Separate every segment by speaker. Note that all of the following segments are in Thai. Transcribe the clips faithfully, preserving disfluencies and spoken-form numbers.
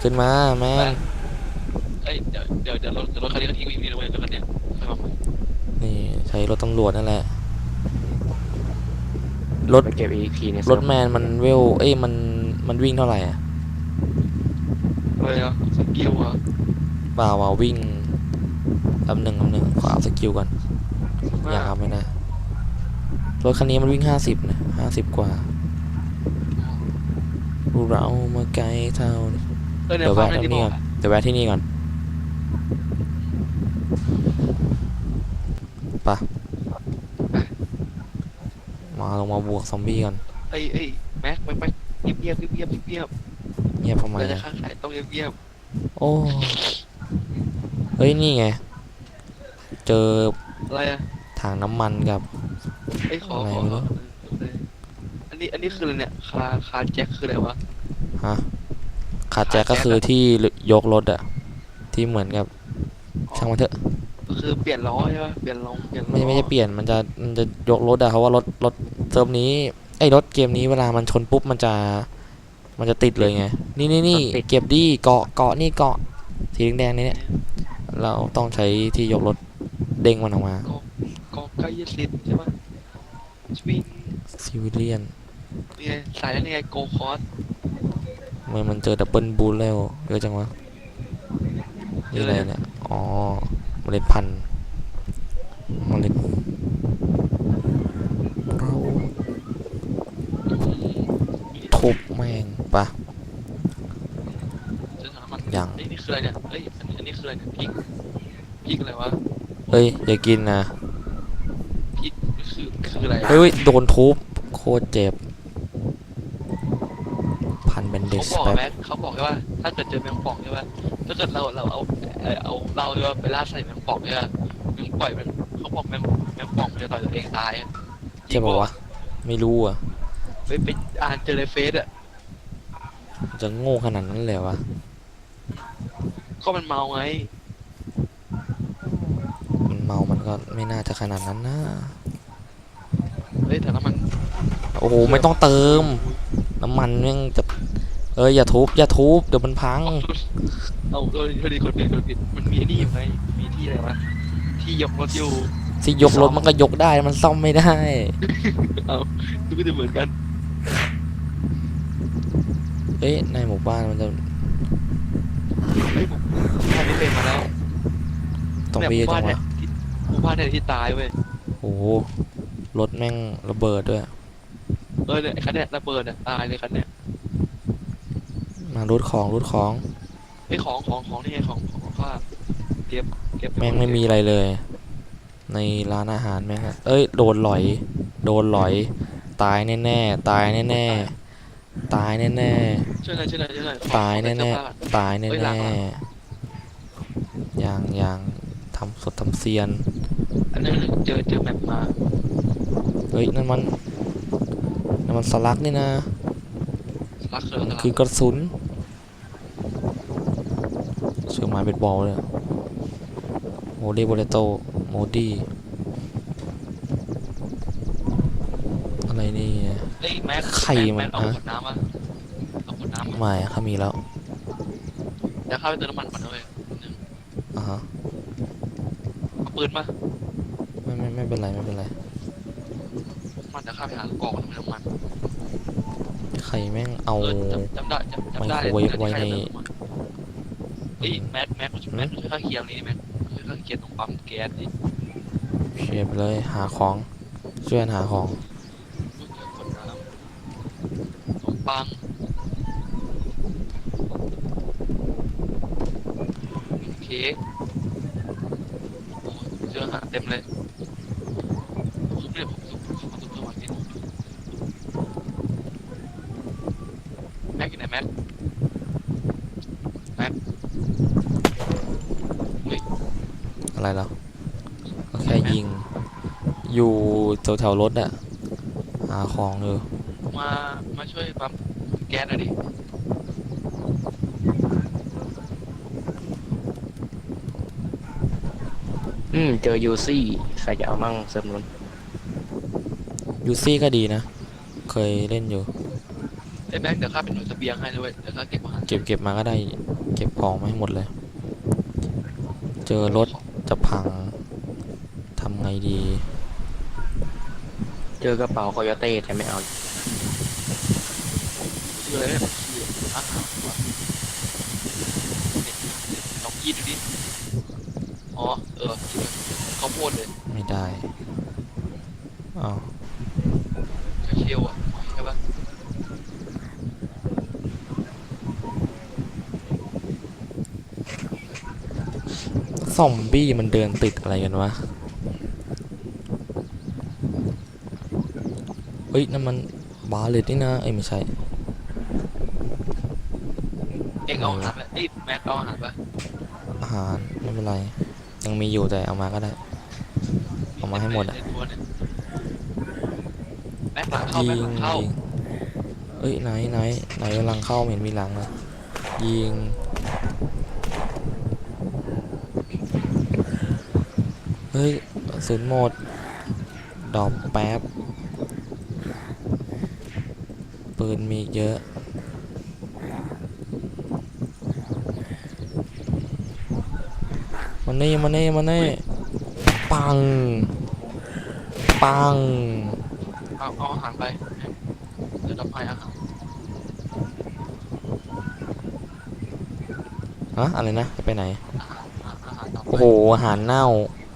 Speaker 1: ขึ้นมาแมน
Speaker 2: เอ้ยเดี๋ยวเดี๋ยวเดี๋ยวรถเดี๋ยวรถคันนี้ก็ทิ้งไว้อยู่นี่นะเว้ยรถคันเนี้ยค่อยมาใหม่
Speaker 1: นี่ใช้รถตำรวจนั่นแหละรถ
Speaker 3: ไปเก็บ อี อี พี ใน
Speaker 1: ร
Speaker 3: เซิร์ฟ
Speaker 1: ถแมนมันเวลเอ้ยมันมันวิ่งเท่าไหร่อ่ะ
Speaker 2: เลยเหรอสกิลเหรอ
Speaker 1: เปล่าว่าวิ่งลำหนึ่งลำหนึ่งขวาสกิลก่อนอ
Speaker 2: ว่า
Speaker 1: ย่าครับไม่นะรถคันนี้มันวิ่งห้าสิบนะห้าสิบกว่าเรามาไกลเท่า
Speaker 2: เออใน
Speaker 1: เดี๋ยว
Speaker 2: ฟาร์ม
Speaker 1: แวะที่นี่ก่อน
Speaker 2: นั่นที่บอกอะ
Speaker 1: เดี๋ยวแวะที่นี่ก่อนปะมาลงมาบวกซอมบี้ก่อน
Speaker 2: เอ้ยเอ้ยแม็กแม็กแม็กเงียบเงียบเงียบเงียบเงียบ
Speaker 1: เงียบทำไม
Speaker 2: เราจะ
Speaker 1: อะ
Speaker 2: ค้าขายต้องเงียบเงียบ
Speaker 1: โอ้เฮ้ยนี่ไงเจอ
Speaker 2: อะไรอะ
Speaker 1: ถังน้ำมันกับ
Speaker 2: ไอ้ยขอ
Speaker 1: อะไร
Speaker 2: ขอขอ
Speaker 1: ไม่รู้
Speaker 2: เอออันนี้อันนี้คืออะไรเนี่ยคาคาแจ็คคืออะไรวะ
Speaker 1: ฮะขาดแจ็คก็คือที่ยกรถอะที่เหมือนกับช่างมันเถอะ
Speaker 2: ก็คือเปลี่ยนล้อใช่ปะเปลี่ยนล้อเปลี่ยน
Speaker 1: ไม่
Speaker 2: ล้อ
Speaker 1: ไม่จะเปลี่ยนมันจะมันจะยกรถอะเพราะว่ารถรถเซิร์ฟนี้ไอ้รถเกมนี้เวลามันชนปุ๊บมันจะมันจะติดเลยไงนี่นี่นี่เก็บดีเกาะเกาะนี่เกาะสีแดงๆนี่เนี่ยเราต้องใช้ที่ยกรถเด้งมันออกมา
Speaker 2: ก็ก็ใกล้ยสิทธิ์ใช่ปะสวิง
Speaker 1: ซิวิเลียน
Speaker 2: นี่ไงสายแล้วนี่ไงโกคอร์ส
Speaker 1: มันมันเจอดับเบิลบูลแล้วเยอะจังวะนี่อะไรเนี่ยอ๋อเมล็ดพันธุ์เมล็ดเราทุบแม่งปะ
Speaker 2: เจอถังน้ำมัน
Speaker 1: อย่าง
Speaker 2: เอ้ยนี่คืออะไรเนี่ยเอ้ยอันนี้อันนี้คืออะไรเนี่ยพริกพริกอะไรวะ
Speaker 1: เฮ้ยอย่ากินนะ
Speaker 2: พริกนี่คือคืออะไร
Speaker 1: เฮ้ยโดนทุบโคตรเจ็บพันเบนเด
Speaker 2: เขา
Speaker 1: สแป๊บ
Speaker 2: บอกไหมเขาบอกใช่ปะถ้าเกิดเจอแมงป่องใช่ปะถ้าเกิดเราเราเอาเออเอาเราใช่ปะไปล่าใส่แมงป่องใช่ปะแมงปล่อยมันเขาบอกแมงแมงป่องมันจะต่อยตัวเองตายอะจริ
Speaker 1: ใช่
Speaker 2: งปะวะ
Speaker 1: ป่าวะไม่รู้อ่ะ
Speaker 2: ไปไปอ่านเจอในเฟซอะ
Speaker 1: จะโง่ขนาดนั้นเลยวะ
Speaker 2: ก็มันเมาไง
Speaker 1: มันเมามันก็ไม่น่าจะขนาดนั้นนะ
Speaker 2: เฮ้ยแต่น้ำมัน
Speaker 1: โอ้โหไม่ต้องเติมน้ำมันยังจะเอ้ยอย่าทุบอย่าทุบเดี๋ยวมันพัง
Speaker 2: เอาเออพอดีคนผิดคนผิดมันมีไอ้นี่อยู่ไงมีที่อะไรวะที่ยกรถอยู่
Speaker 1: ที่ยกรถมันก็ยกได้มันซ่อมไม่ได้
Speaker 2: เอาดูก็จะเหมือนกัน
Speaker 1: เอ๊ะในหมู่บ้านมันจะ
Speaker 2: เฮ้ยผมท่านนี้เป็นมาแล้ว
Speaker 1: ต้อง
Speaker 2: เนี่ย
Speaker 1: ไป
Speaker 2: ห
Speaker 1: เย
Speaker 2: มู่
Speaker 1: อะจังวะ
Speaker 2: บ้านเนี่ยที่หมู่บ้านเนี่ยที่ตายเว้ย
Speaker 1: โอ้โหรถแม่งระเบิดด้วย
Speaker 2: เออเนี่ยไอ้คันเนี่ยระเบิดเนี่ยตายเลยคันเนี่ย
Speaker 1: มารูดของรูดของ
Speaker 2: ไอ้ของของของนี่ไงของของข้าเก็บเก็บ
Speaker 1: แม่งไม่มีอะไรเลยในร้านอาหารแม่งอะเอ้ยโดนหลอยโดนหลอยตายแน่ๆตายแน่ๆตายแน่
Speaker 2: ช่วยหน่อยช่วยหน่อยช่วยหน่อยข
Speaker 1: ๆ
Speaker 2: อ
Speaker 1: ตาย
Speaker 2: ขอเป็นเสื้อ
Speaker 1: แน่
Speaker 2: ผ้า
Speaker 1: ๆตายแน่
Speaker 2: เอ้ยหลังหลัง
Speaker 1: ๆอย่างอย่างทำสดทำเซียน
Speaker 2: อันนั้นเจอเจอแมปมา
Speaker 1: เฮ้ยนั่นมันนั่นมันสลักนี่นะ
Speaker 2: ลักเสือ
Speaker 1: มัน
Speaker 2: สลัก
Speaker 1: คือกระสุนเสือไม้เบสบอลเลยโมดีโบเลโตโมดีอะไรนี่
Speaker 2: เอ้ยแม็ก
Speaker 1: ไข่
Speaker 2: แม็กแม็กเอา
Speaker 1: มันฮะ
Speaker 2: ขวดน้ำมาเอาขวดน้ำมา
Speaker 1: ไม่เขามีแล้ว
Speaker 2: เดี๋ยวเข้าไปเติมน้ำมันก่อนเลยนึง
Speaker 1: อ่าฮะ
Speaker 2: เอาปืนมา
Speaker 1: ไม่ไม่ไม่เป็นไรไม่เป็นไร
Speaker 2: มันจะเข้าไปหากองน้ำมัน
Speaker 1: ไข่แม่งเอา
Speaker 2: เออจำจำได้จำจำได้
Speaker 1: ไมโครเวฟไว้ใน
Speaker 2: เฮ้ยแม็กแม็กแม็กช่วยข้าเคลียร์นี่แม็กช่วยข้าเคลียร์ตรงปั๊มแก๊สดิ
Speaker 1: เชียบเลยหาของช่วยกันหาของ
Speaker 2: คนน้ำขนมปังเค้กเจออาหารเต็มเลยผมเนี่ยผมสุกผมสุกสวัสดิ์แม็กอยู่ไหนแม็กแม็ก
Speaker 1: อะไรแล้วก็แค่ยิงอยู่แถวแถวรถอะหาของอยู่
Speaker 2: มามาช่วยปั๊มแก๊สหน่อยดิ
Speaker 3: อืมเจอยูซี่ใครจะเอามั่งเซิร์ฟนู้น
Speaker 1: ยูซี่ก็ดีนะเคยเล่นอยู่
Speaker 2: ไอ้แม็กเดี๋ยวข้าเป็นหน่วยเสบียงให้ด้วยเดี๋ยวข้าเก็บอาหาร
Speaker 1: เก็บเก็บมาก็ได้ เก็บของมาให้หมดเลย เจอรถจะพังทำไงดี
Speaker 3: เจอกระเป๋าคอยเต้แต่ไม่เอา
Speaker 2: คืออะไรเนี่ยคืออาหารวะลองกินดูดิอ๋อเออกินเลยข้าวโพดเลย
Speaker 1: ไม่ได้อ้าว
Speaker 2: เชลอ่ะใช่ปะ
Speaker 1: ซอมบี้มันเดินติดอะไรกันวะ เฮ้ยนั่นมันบาเลตนี่นะเอ้ยไม่ใช่
Speaker 2: เอ็งเอาอาหารไปไอ้แม็กเอาอาหารปะ
Speaker 1: อาหารไม่เป็นไร ยังมีอยู่แต่เอามาก็ได้ เอามาให้หมดอ่ะ
Speaker 2: ในตัวเนี่ยแม็กหลังเข้า
Speaker 1: ยิ
Speaker 2: แม็ก
Speaker 1: ง
Speaker 2: หลังเข้า
Speaker 1: ยิงเอ้ยไหนไหนไหนกำลังเข้าไม่เห็นมีหลังเลยยิงเฮ้ยกระสุนหมดดรอปแป๊บปืนมีเยอะมันนี่มันนี่มันนี่ปังปัง
Speaker 2: เอาเอาอาหารไปเดี๋ยวเราให้อาหาร
Speaker 1: ฮะอะไรนะจะไปไหน
Speaker 2: อาหารอาหารต่อไป
Speaker 1: โอ้โหอาหารเน่า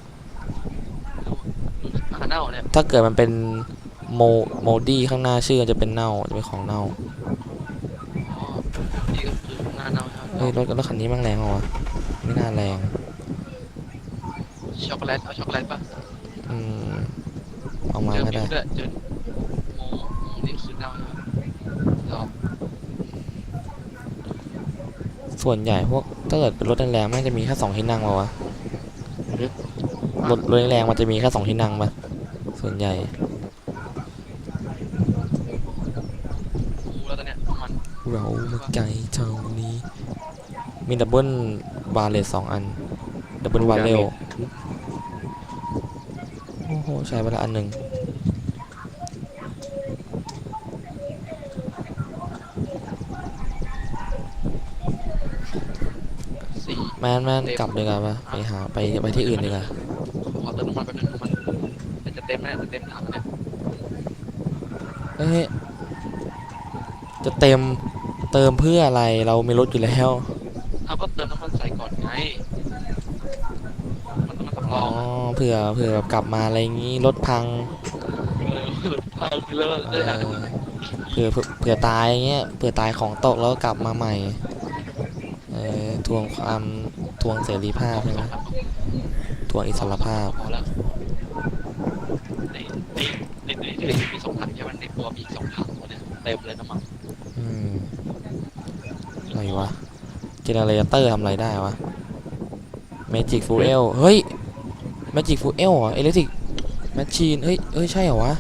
Speaker 2: อาหารเน่าเนี่ย
Speaker 1: ถ้าเกิดมันเป็นโมโมดี้ข้างหน้าชื่อจะเป็นเน่าจะเป็นของเน่า
Speaker 2: อ๋อนี่ก็คือหน้าเน่าใช่ไหม
Speaker 1: เฮ้ยรถรถคันนี้แมันแรงเหรอวะไม่น่าแรง
Speaker 2: ช็อกโกแลตเอาช็อกโกแลตปะ
Speaker 1: อืมเอามา
Speaker 2: เจอ
Speaker 1: ก็
Speaker 2: มิ
Speaker 1: ได้
Speaker 2: วด้วยเจอโมโมนี่คือเน่าใช่ไหมรอ
Speaker 1: ส่วนใหญ่พวกถ้าเกิดเป็นรถแรงๆมันจะมีแค่สองที่นั่งปะวะรถรถแรงๆมันจะมีแค่สองที่นั่งปะส่วนใหญ่
Speaker 2: กูแล้วตอนเนี้ยมัน
Speaker 1: เรามาไกลเท่านี้ มีดับเบิลบาร์เลสสองอันดับเบิลบาร์เรลโอ้โหใช้ไปละอันหนึ่ง
Speaker 2: สี่
Speaker 1: แมนแมนกลับดีกว่าปะไปหาไปไปที่อื่นดีกว่า
Speaker 2: ขอเติมน้ำมันแป๊บนึงน้ำมันมันจะเต็มแล้วจะเต็มถังเนี่ย
Speaker 1: เอ้ยจะเต็มเติมเพื่ออะไรเรามีรถอยู่แล้ว
Speaker 2: เอาก็เติมน้ำมันใส่ก่อนไงมันต้องมาสำร
Speaker 1: อ๋
Speaker 2: อ
Speaker 1: อง เผื่อเผื่อแบบกลับมาอะไรงี้รถพัง
Speaker 2: เออพังแล้ว
Speaker 1: เอ
Speaker 2: เลย
Speaker 1: อเผื่อเผื่อเผื่อตายอย่างเงี้ยเผื่อตายของตกแล้วก็กลับมาใหม่เออทวงความทวงเสรีภาพใช่ไหมทวงอิสรภาพ
Speaker 2: พอแล้วในในในในในมีสองถังใช่ไหมในตัวมีอีกสองถังตัวเนี่ยเต็มเลยน้ำมัน
Speaker 1: อืมอะไรวะเจเนเรเตอร์ทำอะไรได้วะเมจิกฟูเอลเฮ้ยเมจิกฟูเอลเหรออิเล็กทริกแมชชีนเฮ้ยเฮ้ยใช่เหรอวะ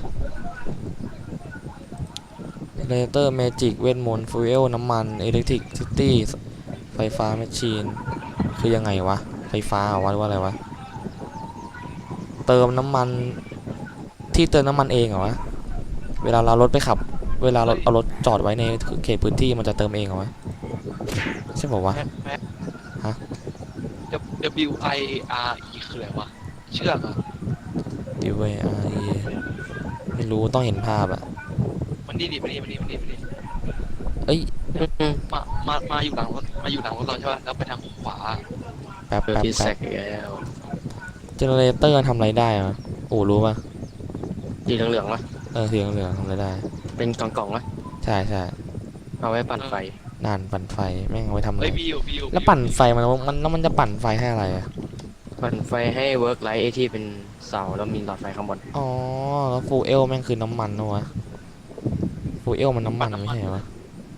Speaker 1: เจเนเรเตอร์เมจิกเวทมนต์ฟูเอลน้ำมันอิเล็กทริกซิตี้ไฟฟ้าแมชชีนคือยังไงวะไฟฟ้าเหรอวะหรือว่าอะไรวะเติมน้ำมันที่เติมน้ำมันเองเหรอวะเวลาเรารถไปขับ เวลาเราเอารถจอดไว้ในเขตพื้นที่มันจะเติมเองเหรอวะใช่ป่าวะ
Speaker 2: แม็กแม็ก
Speaker 1: ฮะ
Speaker 2: W I R E คืออะไรวะเชือกอ่ะ
Speaker 1: ดีเวอาร์ไม่รู้ต้องเห็นภาพอะ
Speaker 2: มันนี่ดิมันนี่มันนี่มันนี่มันนี่
Speaker 1: เอ้ย
Speaker 2: มามามาอยู่หลังรถมาอยู่หลังรถเราใช่ป่ะแล้วไปทางขวา
Speaker 1: แป๊บ
Speaker 3: เจอ
Speaker 1: แป๊บ
Speaker 3: ที่แซ
Speaker 1: แป๊บ
Speaker 3: กอีกแล้ว
Speaker 1: เจเนเรเตอร์ทำอะไรได้อะโอ้รู้ป่ะ
Speaker 3: สีเหลืองๆวะ
Speaker 1: เออสีเหลืองๆทำอะไรได้
Speaker 3: เป็นกล่องๆวะ
Speaker 1: ใช่ใช่
Speaker 3: เอาไว้ปั่นไฟ
Speaker 1: นานปั่นไฟแม่งเอาไว้ทำอะไร
Speaker 2: เฮ้ยวิววิว
Speaker 1: แล้วปั่นไฟมันมันแล้วมันจะปั่นไฟให้อะไรอะ
Speaker 3: ปั่นไฟให้เวิร์กไลท์ไอที่เป็นเสาแล้วมีหลอดไฟข้างบน
Speaker 1: อ๋อแล้วฟูเอลแม่งคือน้ำมันนะวะฟูเอลมันน้ำมันไม่ใช่เหรอวะ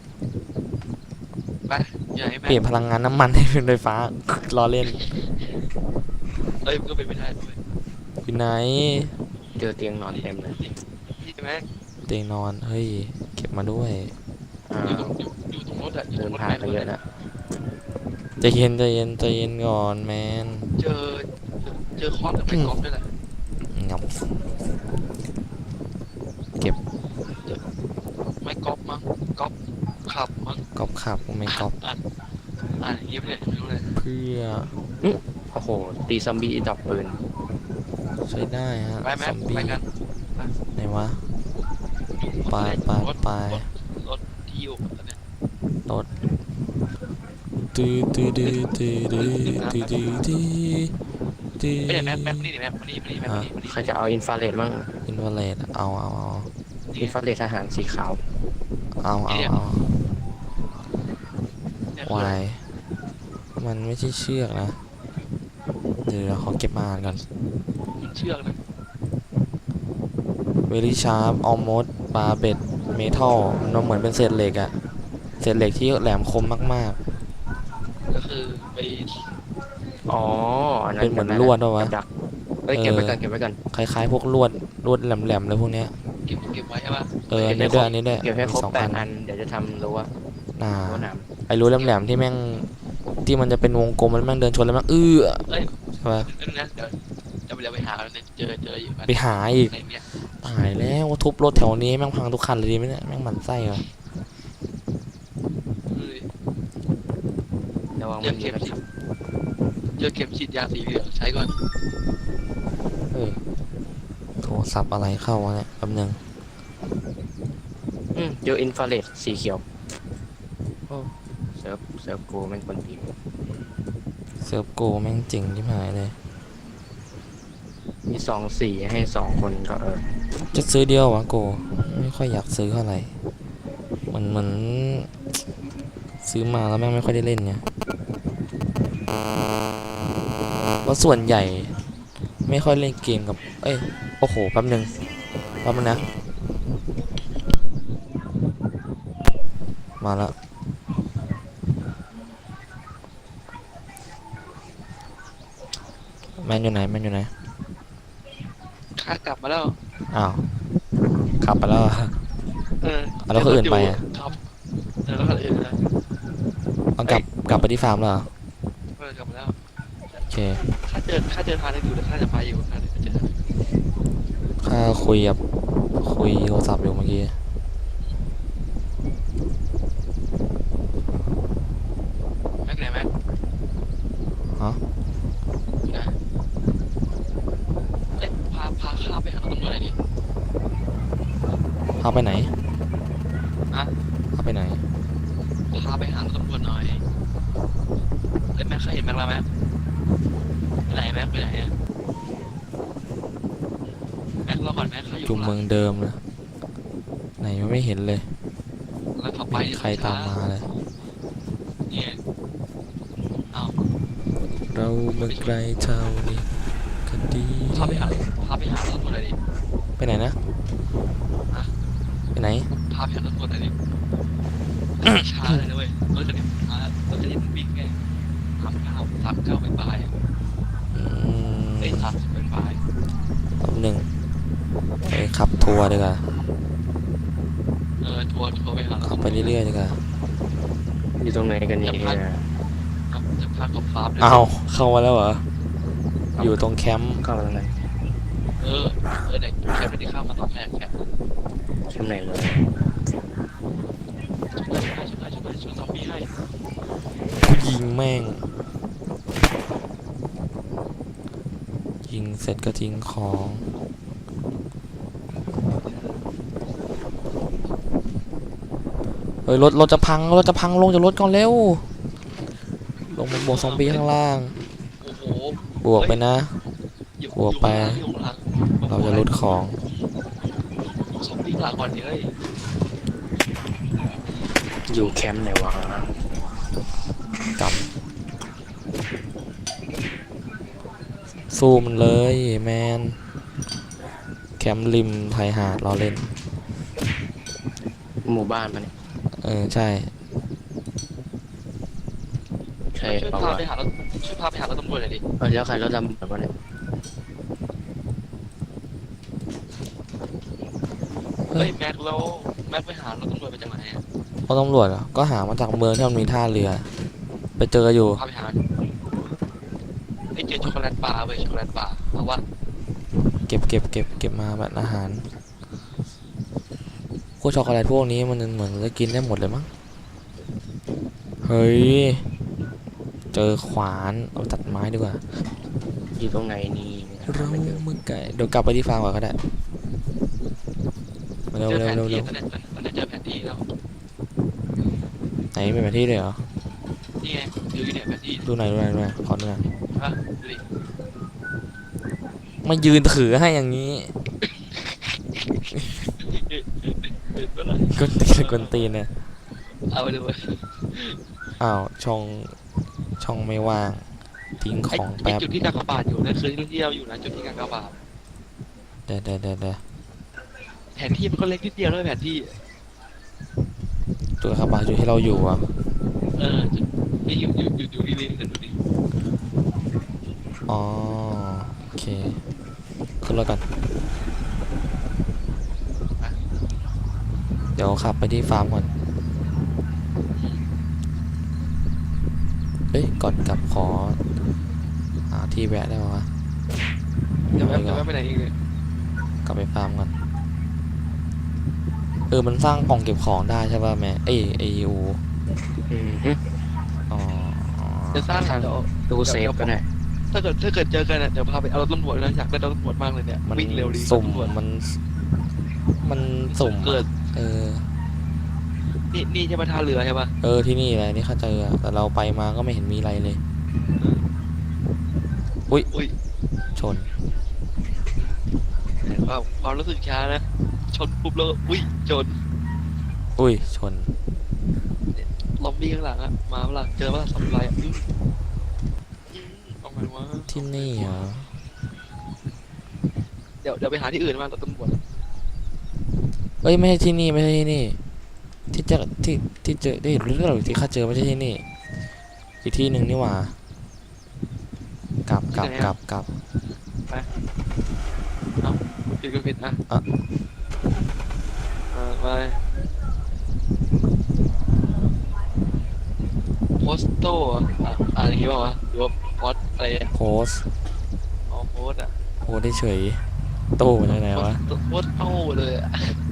Speaker 2: ไปอย่าให้แม่
Speaker 1: เปลี่ยนพลังงานน้ำมันให้เป็นไฟฟ้า ล้อเล่น
Speaker 2: เอ้ยมันก็เป็นไปได้ด้วย
Speaker 1: อยู่ไหน
Speaker 3: เจอเตียงนอนเต็มเลย
Speaker 2: ที่แม็ก
Speaker 1: เตียงนอนเฮ้ยเก็บมาด้วย
Speaker 3: อ่า
Speaker 2: อยู่ตรงอยู่อยู่ตรงรถอะอยู่
Speaker 3: เดิ
Speaker 2: ตร
Speaker 3: น
Speaker 2: งรถ
Speaker 3: ผ่าน
Speaker 2: แม็ก
Speaker 3: กันเยอะนะ
Speaker 1: ใจเย็นใจเย็นใจเย็นก่อนแมน
Speaker 2: เจอเจอคอนกับไมค์กอล์ฟด้วยแหละ
Speaker 1: งับ
Speaker 2: ไมค์กอล์ฟมั้งก๊อปขับมั้ง
Speaker 1: ก๊อปขับไม่ก๊อป
Speaker 2: อ่านอ่านอย่างนี้ไม่ได้ไม่รู้เลย
Speaker 1: เพื่อ
Speaker 3: โอ้โหตีซอมบี้ดับปืน
Speaker 1: ใช้ได้ฮะ
Speaker 2: ไปแม็
Speaker 1: ซ
Speaker 2: ก
Speaker 1: อม
Speaker 2: ไป
Speaker 1: บี้
Speaker 2: กัน
Speaker 1: ไหนวะ ไปไป
Speaker 2: รถ
Speaker 1: ไป
Speaker 2: รถรถที่อยู่ตอนเนี้ย
Speaker 1: ตื้อตื้อตื้อตื้อตื้อตื้อตื้อตื้อตื้อ
Speaker 2: ไม่ใช่แม็กแม็กมานี่ดิแม็กมานี่มานี่แม็กมานี่มานี่
Speaker 3: ใครจะเอาอินฟราเรดบ้าง
Speaker 1: อินฟราเรดเอาเอาเอา
Speaker 3: อินฟราเรดทหารสีขาว
Speaker 1: เอาเอาเอา
Speaker 2: เนี่ย
Speaker 1: วายมันไม่ใช่เชือกนะ เดี๋ยวเราขอเก็บมาอ่านก่อน
Speaker 2: มันเชือกนะ
Speaker 1: very sharp almost barbed metal มันเหมือนเป็นเศษเหล็กอะเศษเหล็กที่แหลมคมมาก
Speaker 2: ก็คือไป
Speaker 3: อ๋ออัน
Speaker 1: ๆ
Speaker 3: นั้น
Speaker 1: เป็นเหมือนลวดป่ะวะ
Speaker 3: กับดักเอ้ยเก็บไว้กันเก็บไว้กัน
Speaker 1: คล้ายๆพวกลวดลวดแหลมๆเลยพวกเนี้ย
Speaker 2: เก็บเก็บไว้ใช่ป่ะ
Speaker 1: เอออันนี้ด้วยอันนี้ด้วย
Speaker 3: เก็บให้ครบ
Speaker 1: มีสอง
Speaker 3: แป
Speaker 1: อั
Speaker 3: ด
Speaker 1: น
Speaker 3: อันเดี๋ยวจะทำรั้ว
Speaker 1: อ่า
Speaker 3: รั้วหนาม
Speaker 1: ไอ้รูแหลมๆที่แม่งที่มันจะเป็นวงกลมมันแม่งเดินชนแล้วแม่งเอื้อ
Speaker 2: เอ้ย
Speaker 1: ใช่ปะ
Speaker 2: นั่นนะเดี๋ยวจะไปเดี๋ยวไปหาแล้วเนี่ยเจอเจออยู่
Speaker 1: ไปหาอีก
Speaker 2: ในเนี่ย
Speaker 1: ตายแล้วทุบรถแถวนี้แม่งพังทุกคันเลยดีไหมเนี่ยแม่งหมันไส้เหรอ
Speaker 2: เอ้ย
Speaker 3: ระวังมันมีกระชับ
Speaker 2: เจอเข็มฉีดยาสีเหลืองใช้ก่อน
Speaker 1: เออโทรศัพท์อะไรเข้าวะเนี่ยแป๊บนึง
Speaker 3: อืมเจออินฟราเรดสีเขียวโอ้เซิร์ฟเซิร์ฟกูแม่งคนตีน
Speaker 1: เซิร์ฟโกแม่งจริงที่หายเลย
Speaker 3: มีสองสีให้สองคนก็เออ
Speaker 1: จะซื้อเดียววะโกไม่ค่อยอยากซื้อเท่าไหร่มันเหมือนซื้อมาแล้วแม่งไม่ค่อยได้เล่นไงว่าะส่วนใหญ่ไม่ค่อยเล่นเกมกับเอ้ยโอ้โหแป๊บนึงแป๊บนึงนะมาแล้วแมนอยู่ไหนแมนอยู่ไหน
Speaker 2: ข้ากลับมาแล้ว
Speaker 1: อ้าวขับไปแล้วเหรอ
Speaker 2: เออ
Speaker 1: เอาแล้วคนอื่นไปอะ
Speaker 2: ครับเออแล้วคนอื่นนะ
Speaker 1: เอากลับกลับไปที่ฟาร์มแล้วเหรอ
Speaker 2: เออกลับมาแล้ว
Speaker 1: โอเค
Speaker 2: ข้าเจอข้าเจอทางได้อยู่แต่ข้าจะไปอยู่ข้าจะเจอ
Speaker 1: ข้าคุยกับคุยโทรศัพท์อยู่เมื่อกี้
Speaker 2: แม็กไหนแม็ก
Speaker 1: ฮะ
Speaker 2: อยู่ไหนเอ๊ะพาพาข้าไปหาตำรวจหน่อยดิ
Speaker 1: พาไปไหน
Speaker 2: อะ
Speaker 1: พาไปไหน
Speaker 2: พาไปหาตำรวจหน่อยเอ้ยแม็กเคยเห็นแม็กแล้วแม็กไปไหนแม็กไปไหนอะแม็กรอก่อนแม็กเขาอยู่
Speaker 1: จุม
Speaker 2: ข้างห
Speaker 1: เมื
Speaker 2: ลั
Speaker 1: อง งเดิมนะไหนยังไม่เห็นเลย
Speaker 2: แล้วเขาไป
Speaker 1: ไม่มีใครตามมาเลย
Speaker 2: เนี่ยเอา
Speaker 1: เราเมืองไกลเท่านี้คดี
Speaker 2: พาไปหาพาไปหาตำรวจหน่อยดิ
Speaker 1: ไปไหนนะ
Speaker 2: ฮะ
Speaker 1: ไปไหน
Speaker 2: พาไปหาตำรวจหน่อยดิช้าเลยนะเว้ยรถจะนี่มารถจะนี่มันวิ่งไงสามเก้าสามเก้าเป็นปลายอะ
Speaker 1: อืม
Speaker 2: เอ้ยสามสิบเป็นปลาย
Speaker 1: แป๊บหนึ่งไปขับทัวร์ดีกว่า
Speaker 2: เออทัวร์ทัวร์ไปหา
Speaker 1: ขับไปเรื่อยๆดีกว่า
Speaker 3: อยู่ตรงไหนกันเนี่ย
Speaker 2: ครับจะพากับฟาร์มเลย
Speaker 1: อ้าวเข้ามาแล้วเหรอ อยู่ตรงแคมป์
Speaker 3: เข้ามาตรงไหน
Speaker 2: เออเออเด็กแคปไม่ได้เข้ามาตอนแรกแคป
Speaker 3: ชั้นไหนเลย
Speaker 2: ช่วยให้ช่วยให้ช่วยให้ช่วยซอมบี้ให้
Speaker 1: ยิงแม่ง ยิงเสร็จก็ทิ้งของ เฮ้ยรถรถจะพังรถจะพังลงจากรถก่อนเร็ว ลงมาบวกซอมบี้ข้างล่าง
Speaker 2: โอ้โห
Speaker 1: บวกไปนะ
Speaker 2: อยู่
Speaker 1: บวกไป
Speaker 2: อยู่ข้างหลัง
Speaker 1: เราจะลดของ
Speaker 2: ซอมบี้หลังก่อนดิเฮ้ย
Speaker 3: อยู่แคมป์ไหนวะ
Speaker 1: กลับสู้มันเลยแมน แคมป์ริมไทยหาดเราเล่น
Speaker 3: หมู่บ้านมันย
Speaker 1: เออ ใช่
Speaker 3: ใช่
Speaker 2: ช่วย
Speaker 3: เปล่า
Speaker 2: พาว
Speaker 3: ะ
Speaker 2: ไปหารถช่วยพาไปหารถตำรวจหน่อยดิ
Speaker 3: เออแล้วใครรถดำแบบว่าเนี่ย
Speaker 1: เฮ้
Speaker 2: เฮ้
Speaker 1: ย
Speaker 2: ยแม็กแล้วแม็กไปหารถตำรวจไปจากไหนอะ
Speaker 1: เพราะตำรวจอะก็หามาจากเมืองที่มันมีท่าเรือ ไปเจออยู่
Speaker 2: พาไปหาไอ้ยเจอช็อกโกแลตบาร์เว้ยช็อกโกแลตบาร์เอาวะ
Speaker 1: เก็บเก็บเก็บเก็บมาแบบอาหาร โฆวกช็อกโกแลตพวกนี้มันเหมือนจะกินได้หมดเลยมั้งเฮ้ยเจอขวานเอาตัดไม้ดีกว่า
Speaker 3: อยู่ตรงไหนนี่
Speaker 1: เรา
Speaker 3: ไม่เจอ
Speaker 1: เมื่อไก่เดี๋ยวกลับไปที่ฟาร์มก่อนก็ได้มาเร็ว
Speaker 2: เจอ
Speaker 1: เร็ว
Speaker 2: แผน
Speaker 1: เร็ว
Speaker 2: ที่
Speaker 1: เร็ว
Speaker 2: ตอนนี้ตอนนี้เจอแผนที่แล้ว
Speaker 1: ไหนเป็นแผนที่เลยเหรอ
Speaker 2: นี่ไงดูอยู่เนี่ยแผนที่
Speaker 1: ดูไหนอยดูไหนอยดูไหนอยขอดูหน่อย
Speaker 2: ฮะดูดิ
Speaker 1: มายืนถือให้อย่างนี้
Speaker 2: เห็นปะล่ะ
Speaker 1: กวนตีนกวนตีนเนี่ย
Speaker 2: เอาไปดูไป
Speaker 1: อ้าวช่องช่องไม่ว่างทิ้งข
Speaker 2: ไอ้
Speaker 1: อง
Speaker 2: ไอ้
Speaker 1: แป๊บ
Speaker 2: จุดที่กากบาทอยู่นั่นคือที่เราอยู่นะจุดที่กากบาท
Speaker 1: เดี๋ยวเดี๋ยวเดี๋ยวเดี๋ยว
Speaker 2: แผนที่มันก็เล็กนิดเดียวด้วยแผนที่
Speaker 1: ตัวคาบาอยู่ที่เราอยู่อ่ะ
Speaker 2: เออจุดนี่อยู่อยู่อยู่อยู่ที่นี่เดี๋ยวดูดิ
Speaker 1: อ๋อโอเคขึ้นรถกันเดี๋ยวขับไปที่ฟาร์มก่อนเอ้ยก่อนกลับขอหาที่แวะได้ไหมวะ
Speaker 2: เดี๋ยวแป๊บเดี๋ยวแป๊บไปไหนอีกเลย
Speaker 1: กลับไปฟาร์มก่อนเออมันสร้างกล่องเก็บของได้ใช่ป่ะแม่เอ้ยไออู
Speaker 3: อืมฮึ
Speaker 1: อ๋อ
Speaker 2: จะสร้างเดี๋ยว
Speaker 3: ตู้เซฟก็ได้
Speaker 2: ถ้าเกิดถ้าเกิดเจอกันอ่ะเดี๋ยวพาไปเอารถตำรวจนะอยากได้รถตำรวจมากเลยเนี่ย
Speaker 1: มัน
Speaker 2: วิ่งเร็วดี
Speaker 1: สุ่ม
Speaker 2: รถตำรวจ
Speaker 1: มันมันสุ่ม
Speaker 2: เกิด
Speaker 1: เออ
Speaker 2: นี่นี่ใช่ปะท่าเรือใช่ปะ
Speaker 1: เออที่นี่แหละนี่เข้าใจอะแต่เราไปมาก็ไม่เห็นมีอะไรเลย
Speaker 2: อุ้ย
Speaker 1: ชน
Speaker 2: ความความรู้สึกช้านะชนปุ๊บแล้วอุ้ยชน
Speaker 1: อุ้ยชน
Speaker 2: ลอมบี้ข้างหลังอะมาเวลาเจอว่าสัมไรอะอื้ออื้อออกมาว่า
Speaker 1: ที่นี่เหรอ
Speaker 2: เดี๋ยวเดี๋ยวไปหาที่อื่นมารถตำรวจ
Speaker 1: เอ้ยไม่ใช่ที่นี่ไม่ใช่ที่นี่ ที่เจอที่ที่เจอได้เห็นเรื่องหรือที่ข้าเจอไม่ใช่ที่นี่ อีกที่หนึ่งนี่หว่ากลับกลับกลับกลับ
Speaker 2: ผิดก็ผิดนะ
Speaker 1: อ่ะ
Speaker 2: อ่าไปโพสโต้อะอ่ะอ่านอย่างงี้ป่าววะหรือว่าพอสอะไรอะ
Speaker 1: โพสต์
Speaker 2: อ๋อโพสอะ
Speaker 1: โพสต์ได้เฉยตู้มันไหนวะ
Speaker 2: โพสโต้เลยอะ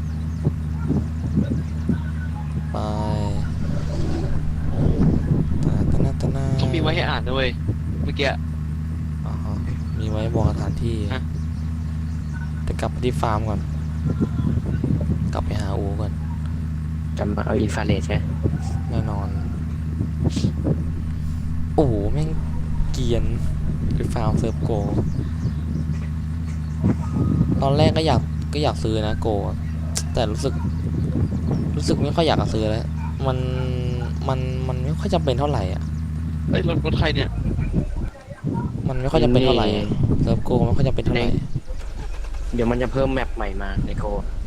Speaker 1: ไปตาตานาตานา
Speaker 2: เขามีไว้ให้อ่านด้วยเมื่อกี้
Speaker 1: อ๋อฮะมีไว้บอกสถานที่
Speaker 2: ฮะ
Speaker 1: แต่กลับไปที่ฟาร์มก่อน กลับไปหาอูก่อน
Speaker 3: จำเอาอินฟราเรดใช่ไหม
Speaker 1: แน่นอน โอ้โหแม่งเกรียนคือฟาร์มเซิร์ฟโก ตอนแรกก็อยากก็อยากซื้อนะโกอะแต่รู้สึก รู้สึกไม่ค่อยอยากจะซื้อแล้ว มันมันมันไม่ค่อยจำเป็นเท่าไหร่อ่ะ
Speaker 2: เอ้ยรถรถใครเนี่ย
Speaker 1: มันไม่ค่อยจำเป็นเท่าไหร่อะเซิร์ฟโกไม่ค่อยจำเป็นเท่าไหร่
Speaker 3: เดี๋ยวมันจะเพิ่มแมปใหม่มาในโก